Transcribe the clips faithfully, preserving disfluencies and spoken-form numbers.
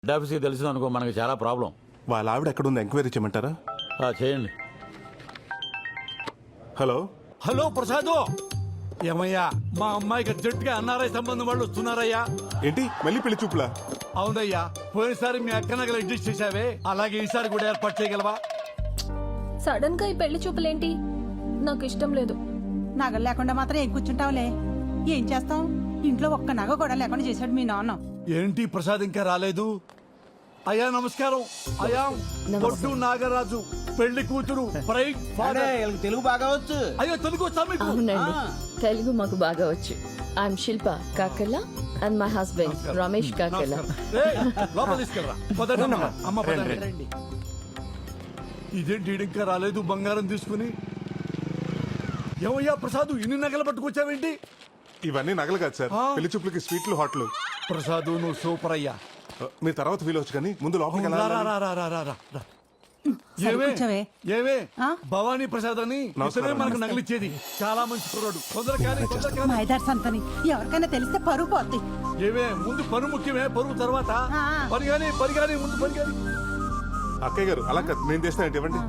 Head ఆఫీస్కి తెలిసింది అనుకో మనకి చాలా ప్రాబ్లం. వాళ్ళ ఆవిడ ఎక్కడుంది ఎంక్వైరీ చేయమంటారా? ఆ, చేయండి. హలో హలో ప్రసాదు, ఏమయ్యా మా అమ్మాయికి అర్జెంటుగా ఎన్ఆర్ఐ సంబంధం వాళ్ళు వస్తున్నారయ్యా. ఏంటి మళ్ళీ పెళ్లి చూపులా? అవునయ్యా, పోయినసారి మీ అక్క నగలు అడ్జస్ట్ చేసావే, అలాగే ఈసారి కూడా ఏర్పాటు చేయగలవా? సడన్ గా ఈ పెళ్లి చూపులేంటి? నాకు ఇష్టం లేదు. నగలు లేకుండా మాత్రం ఏం కూర్చుంటావులే. ఏం చేస్తాం, ఇంట్లో ఒక్క నగ కూడా లేకుండా చేశాడు మీ నాన్న. ఏంటి ప్రసాద్ ఇంకా రాలేదు? అయ్యా నమస్కారం. అయ్యా పొట్టు నాగరాజు, పెళ్లి కూతురు, బ్రైడ్ ఫాదర్. తెలుగు బాగా వచ్చు. అయ్యో తెలుగు వచ్చా మీకు? అవునండి, తెలుగు మాకు బాగా వచ్చు. I'm Shilpa Kakarla and my husband Ramesh Kakarla. ఏయ్, లోపల తీసుకెళ్ళరా. పదండి అమ్మ. అమ్మ పదండి. ఇదేంటి ఈడు ఇంకా రాలేదు బంగారం తీసుకుని? ఏమయ్యా ప్రసాద్, ఇన్ని నగలు పట్టుకొచ్చావేంటి? ఇవన్నీ నగలు కాదు సార్, ఆ? పెళ్లి చూపులకి స్వీట్లు హాట్లు. ప్రసాద్ నువ్వు సూపర్ అయ్యా. మీరు తర్వాత ఫీల్ అవచ్చు కానీ ముందు లోపలికి రా, రా, వెళ్ళాలి. రా, రా, రా, రా, రా, రా. సరే, ఏమే? కూర్చోవే. ఏమే? ఆ? భవానీ ప్రసాద్ అని నమస్కారం. ఇతనే మనకు నగలిచ్చేది. చాలా మంచి కుర్రాడు. తొందర కానీ తొందర కానీ. మైదార్ సంతని ఎవరికైనా తెలిస్తే పరువు పోద్ది. ఏమే, ముందు పరువు ముఖ్యమే, పరువు తర్వాత ఆ. పరిగాని పరిగాని ముందు పరిగాని. అక్కయ్య గారు అలా కాదు, నేను చేస్తానంటే ఇవ్వండి.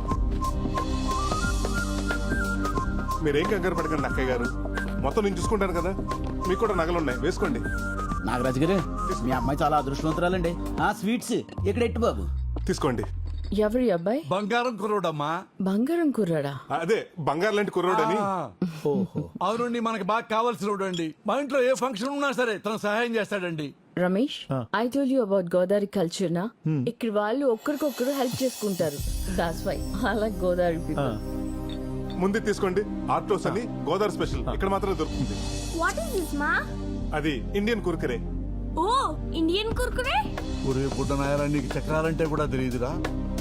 మీరేం కంగారు పడకండి అక్కయ్య గారు, మొత్తం నేను చూసుకుంటాను కదా. మీకు కూడా నగలు ఉన్నాయి, వేసుకోండి. నాగరాజు గారు, మీ అమ్మాయి చాలా అదృష్టవంతురాలండి. ఆ స్వీట్స్ ఇక్కడ ఎట్టు బాబు. తీసుకోండి. ఎవరి అబ్బాయి? బంగారం కుర్రోడమ్మా. బంగారం కుర్రాడా? అదే బంగారు లాంటి కుర్రోడని. ఆ. అవునండి, మనకి బాగా కావాల్సిన అండి. మా ఇంట్లో ఏ ఫంక్షన్ ఉన్నా సరే తను సహాయం చేస్తాడండి. Ramesh, I told you about Godavari culture నా. ఇక్కడ వాళ్ళు ఒక్కరికొక్కరు హెల్ప్ చేసుకుంటారు. That's why I like Godavari people. ముందు తీసుకోండి. ఆర్టోస్ అని గోదావరి స్పెషల్, ఇక్కడ మాత్రమే దొరుకుతుంది. వాట్ ఇస్ దిస్ మా? అది ఇండియన్ కుర్కరే. ఓ, ఇండియన్ కుర్కురే. ఒరే బుడ్డ నాయరా, నీకు చక్రాలంటే కూడా తెలియదురా?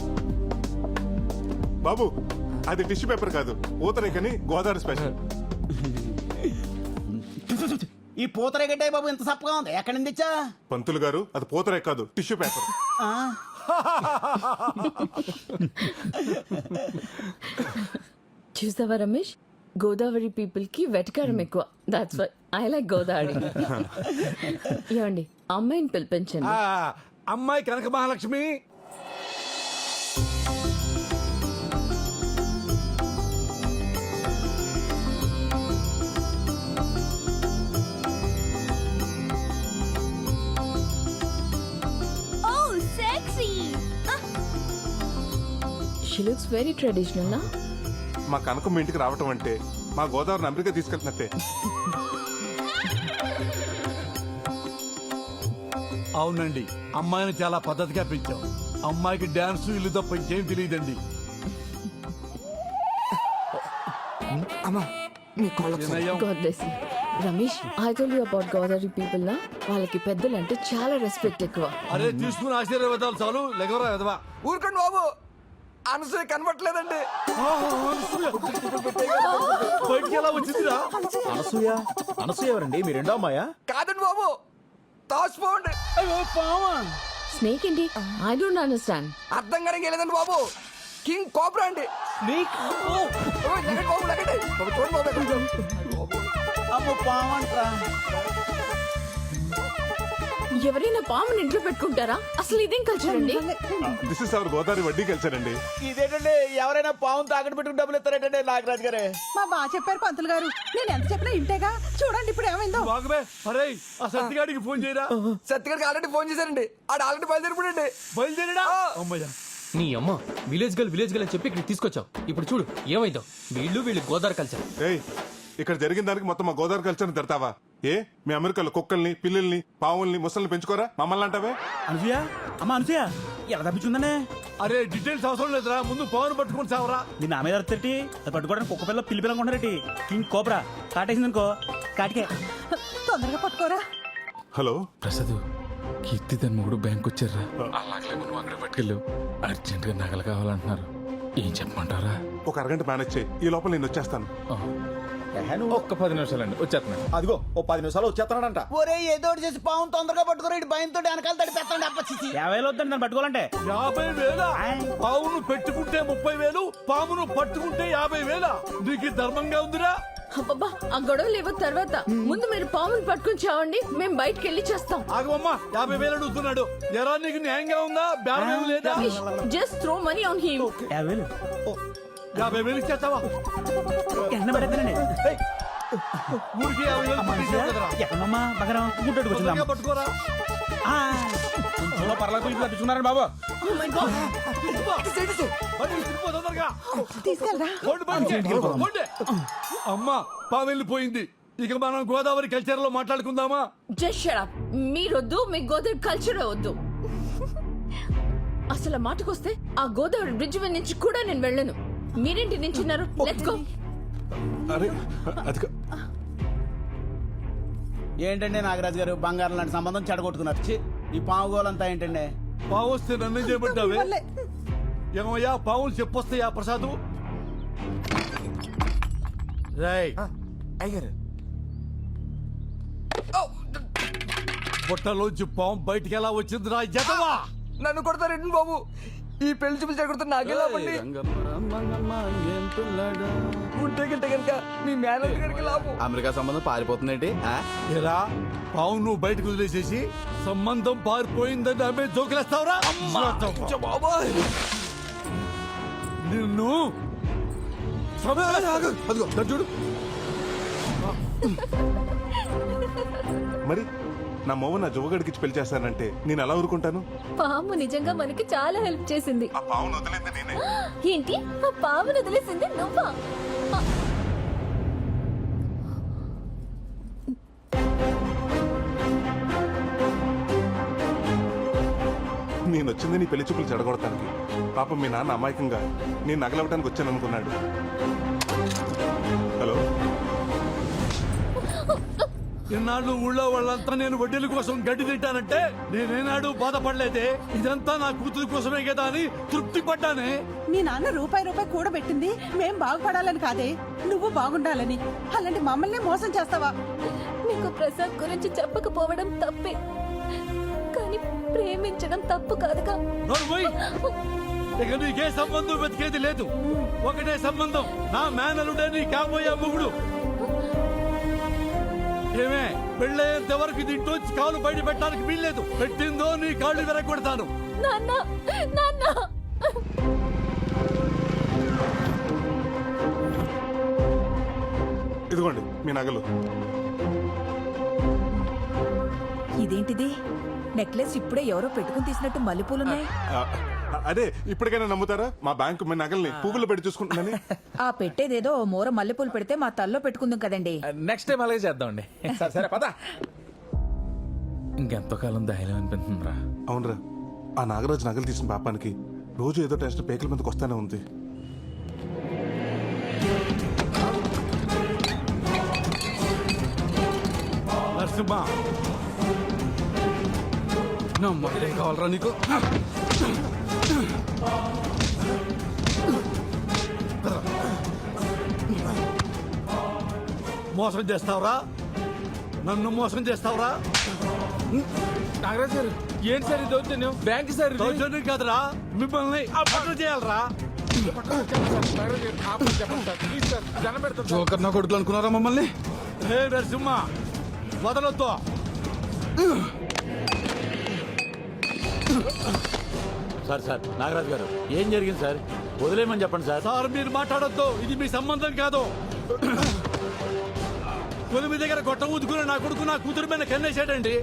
బాబు అది టిష్యూ పేపర్ కాదు, ఊతరేకని గోదావరి స్పెషల్. ఈ పూతరేగడ్డాయి బాబు ఇంత సప్పగా ఉంది, ఎక్కడి నుంచి తెచ్చా? పంతులు గారు అది పూతరేక కాదు, టిష్యూ పేపర్. చూసావా రమేష్, గోదావరి పీపుల్ కి వెటకారం ఎక్కువ. That's why I like Godavari. ఏమండి, అమ్మాయిని పిలిపించండి. ఆ, అమ్మాయి Kanaka Mahalakshmi. Oh sexy. She looks very traditional నా. మా కనకం మీ ఇంటికి రావటం అంటే మా గోదావరిని అమెరికా తీసుకెళ్తున్నట్టే. అవునండి, అమ్మాయిని చాలా పద్ధతిగా పెంచాం. అమ్మాయికి డాన్స్ ఇల్లు తప్ప ఇంకేం తెలియదండి. God bless you. Ramesh, I told you about Godavari people నా. వాళ్ళకి పెద్దలంటే చాలా రెస్పెక్ట్ ఎక్కువ. అరే తీసుకుని ఆశీర్వాదాలు చాలు, లెగవరా ఎదవా. ఊరుకోండి బాబు, అనసూయ కనబట్లేదండి. బయటికి ఎలా వచ్చిందిరా? అనసూయ అనసూయ ఎవరండి? మీ రెండో అమ్మాయా? కాదండి బాబు, తాసిపోండి. స్నేక్ ఏంటి? I don't understand. అర్థం కానీ లేదండి బాబు, కింగ్ కోబ్రా అండి. ఓ, లెగండి బాబు, లెగండి. బాబు, చూడండి బాబు, ఎక్కడ. అమ్మో పావంట్రా. ఎవరైనా పాముని ఇంట్లో పెట్టుకుంటారా? అసలు ఇదేం కల్చర్ అండి? దిస్ ఇస్ అవర్ గోదావరి వడ్డీ కల్చర్ అండి. ఇదేంటండి, ఎవరైనా పావును తాకట్టు పెట్టుకుని డబ్బులు ఇస్తారేటండి నాగరాజు గారే? మా బాగా చెప్పారు పంతులు గారు, నేను ఎంత చెప్పినా ఇంటేగా. చూడండి ఇప్పుడు ఏమైందో. బాగమే. అరే ఆ సత్తిగాడికి ఫోన్ చేయరా. సత్యగారికి ఆల్రెడీ ఫోన్ చేశారండి, ఆడు ఆల్రెడీ బయలుదేరిపోయండి. బయలుదేరడా? అమ్మయ్యా. నీ అమ్మ విలేజ్ గర్ల్ విలేజ్ గర్ల్ అని చెప్పి ఇక్కడ తీసుకొచ్చావు. ఇప్పుడు చూడు ఏమైందో. వీళ్ళు వీళ్ళు గోదావరి కల్చర్. ఏయ్, ఇక్కడ జరిగిన దానికి మొత్తం మా గోదావరి కల్చర్ని తిడతావా? ఏ మీ అమెరికాలో కుక్కల్ని, పిల్లల్ని, పావుల్ని, ముసల్ని పెంచుకోరా? మమ్మల్ని అంటావే? అనసూయ, అమ్మ అనసూయ ఎలా తప్పించుందనే? అరే డీటెయిల్స్ అవసరం లేదురా, ముందు పవన్ పట్టుకుని చావరా. నీ నా మీద అర్థటి అది పట్టుకోవడానికి కుక్క పిల్ల పిల్లి పిల్లనుకుంటారటి. కింగ్ కోబ్రా కాటేసింది అనుకో, కాటికే. తొందరగా పట్టుకోరా. హలో ప్రసాద్, కీర్తి తన మూడు బ్యాంక్ వచ్చారా? అలాగే మనం అక్కడ పట్టుకెళ్ళావు. అర్జెంట్ గా నగలు కావాలంటున్నారు. ఏం చెప్పమంటారా? ఒక అరగంట మేనేజ్ చేయి, ఈ లోపల నేను వచ్చేస్తాను. ఒక్క పది నిమిషాలండి, వచ్చేస్తున్నాను. అదిగో ఓ పది నిమిషాలు వచ్చేస్తున్నాడంట. ఒరే ఏదో ఒకటి చేసి పావును తొందరగా పట్టుకుని ఇటు భయంతో వెనకాల తడి పెట్టండి. అప్పచ్చి యాభై వేలు వద్దండి దాన్ని పట్టుకోవాలంటే. యాభై వేల పావును పెట్టుకుంటే ముప్పై వేలు, పామును పట్టుకుంటే యాభై వేల. నీకు ధర్మంగా ఉందిరా? అబ్బబ్బా ఆ గొడవ లేవు తర్వాత ముందు మీరు పాములు పట్టుకుని చావండి మేము బయటికి వెళ్ళి చేస్తాం ఆగమ్మా యాభై వేలు అడుగుతున్నాడు ఎరా నీకు న్యాయంగా ఉందా బేరం ఏం లేదా just throw money on him యాభై వేలు యాభై వేలు ఇచ్చేస్తావా ఎండ పడతానండి ఊరికి యాభై వేలు కొట్టేసావు కదరా. ఎక్కడమ్మా బగరం గుంటూరుకు వచ్చిందా త్వరగా పట్టుకోరా కొంచెంలో పర్లా పిలిపి తప్పించుకున్నారండి బాబు బండి విసిరిపో తొందరగా. తీసుకెళ్ళరా పోండి, బండి. పోండి. అమ్మా పాము వెళ్ళిపోయింది ఇక మనం గోదావరి కల్చర్ లో మాట్లాడుకుందామా జస్ట్ షట్ అప్ మీరొద్దు మీ గోదావరి కల్చర్ వద్దు అసలు ఆ మాటకొస్తే ఆ గోదావరి బ్రిడ్జ్ మీద నుంచి కూడా నేను వెళ్ళను మీరేంటి నించున్నారు లెట్స్ గో అరే అది కా- ఏంటండి నాగరాజు గారు బంగారం లాంటి సంబంధం చెడగొట్టుకున్నారు ఛీ, ఈ పావు గోలంతా ఏంటండి పావు వస్తే నన్ను చేయబడ్డావే ఏమయ్యా పావులు చెప్పొస్తాయా ప్రసాదు రాయ్ అయ్యారు బుట్టలోంచి పాము బయటికి ఎలా వచ్చింది రా జతవా నన్ను కొడతారండి బాబు ఈ పెళ్లి చూపులు చెడగొడతా నాకెలా పండి ఉంటే గిట్ట కనుక మీ మేనేజర్ గారికి లాభం అమెరికా సంబంధం పారిపోతుందేంటి ఏరా పావు నువ్వు బయటకు వదిలేసేసి సంబంధం పారిపోయిందని ఆమె జోకులేస్తావురా బాబాయ్ నిన్ను అదిగో దాన్ని చూడు మరి నా మొవ్వ నా జువగడికి పెళ్లి చేస్తానంటే నేను ఎలా ఊరుకుంటాను పాము నిజంగా మనకి చాలా హెల్ప్ చేసింది ఆ పావును వదిలేంది నేనే ఏంటి ఆ పామును వదిలేసింది నువ్వా నేను వచ్చింది నీ పెళ్లి చూపులు చెడగొడటానికి పాపం మీ నాన్న అమాయకంగా నేను నగలవటానికి వచ్చాను అనుకున్నాడు హలో ఇన్నాళ్ళు ఊళ్ళో వాళ్ళంతా నేను వడ్డీల కోసం గడ్డి తింటానంటే నేనేనాడు బాధపడలేదే ఇదంతా నా కూతురు కోసమే కదా అని తృప్తి పడ్డానే మీ నాన్న రూపాయి రూపాయి కూడబెట్టింది మేం బాగుపడాలని కాదే నువ్వు బాగుండాలని అలాంటి మమ్మల్ని మోసం చేస్తావా నీకు ప్రసాద్ గురించి చెప్పకపోవడం తప్పే కానీ ప్రేమించడం తప్పు కాదుగా నోరు మూయ్. ఇక నీకే సంబంధం వెతికేది లేదు ఒకటే సంబంధం నా మేనలుడే నీ కాబోయే మొగుడు ఏమే పెళ్ళయ్యేంత వరకు దీంట్లోంచి కాలు బయట పెట్టడానికి వీల్లేదు పెట్టిందో నీ కాళ్ళు విరగొడతాను నాన్న నాన్న ఇదిగోండి మీ నగలు ఇదేంటిది నెక్లెస్ ఇప్పుడే ఎవరో పెట్టుకుని తీసినట్టు మల్లెపూలున్నాయి ఆ, అదే ఇప్పటికైనా నమ్ముతారా మా బ్యాంకు మీ నగల్ని పువ్వులు పెట్టి చూసుకుంటుందని ఆ పెట్టేదేదో ఓ మూర మల్లెపూలు పెడితే మా తల్లో పెట్టుకుందాం కదండి నెక్స్ట్ టైం అలాగే చేద్దామండి సరే సరే పద ఇంకెంతో కాలం ధైర్యం అనిపిస్తుందిరా అవునరా ఆ నాగరాజు నగలు తీసిన పాపానికి రోజు ఏదో టెస్ట్ పేకల మీదకి వస్తానే ఉంది నరసింహ నమ్మకం కావాలరా నీకు మోసం చేస్తావురా నన్ను మోసం చేస్తావురా నాగరాజ్ గారు ఏంటి సార్ ఇది దౌర్జన్యం బ్యాంక్ సార్ ఇది. దౌర్జన్యం కాదురా మిమ్మల్ని అప్పట్లు చేయాలరా జోకర్ నా కొడుకులు అనుకున్నారా మమ్మల్ని హే నరసింహ వదలొద్దు సార్ సార్ నాగరాజు గారు ఏం జరిగింది సార్ వదిలేయమని చెప్పండి సార్ సార్ మీరు మాట్లాడొద్దు ఇది మీ సంబంధం కాదు కొలిమి దగ్గర గొట్ట ఊదుకుని నా కొడుకు నా కూతురు మీద కన్నేసాడండి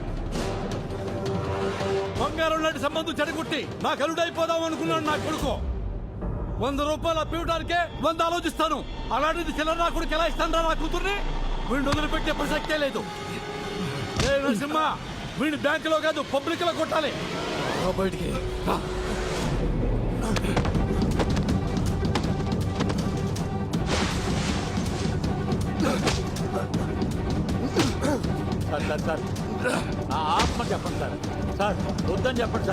బంగారం లాంటి సంబంధం చెడగొట్టి నా కలుడైపోదాం అనుకున్నాడు నా కొడుకు వంద రూపాయలు అప్పివడానికే వంద ఆలోచిస్తాను అలాంటిది చిల్లర నా కొడుకు ఎలా ఇస్తాను నా కూతుర్ని వీడిని వదిలిపెట్టే ప్రసక్తే లేదు ఏ నరసింహ వీడిని బ్యాంకులో కాదు పబ్లిక్ లో కొట్టాలి రా బయటికి రా. సార్ సార్ సార్ నా ఆత్మ చెప్పండి సార్ సార్ వద్దని చెప్పండి సార్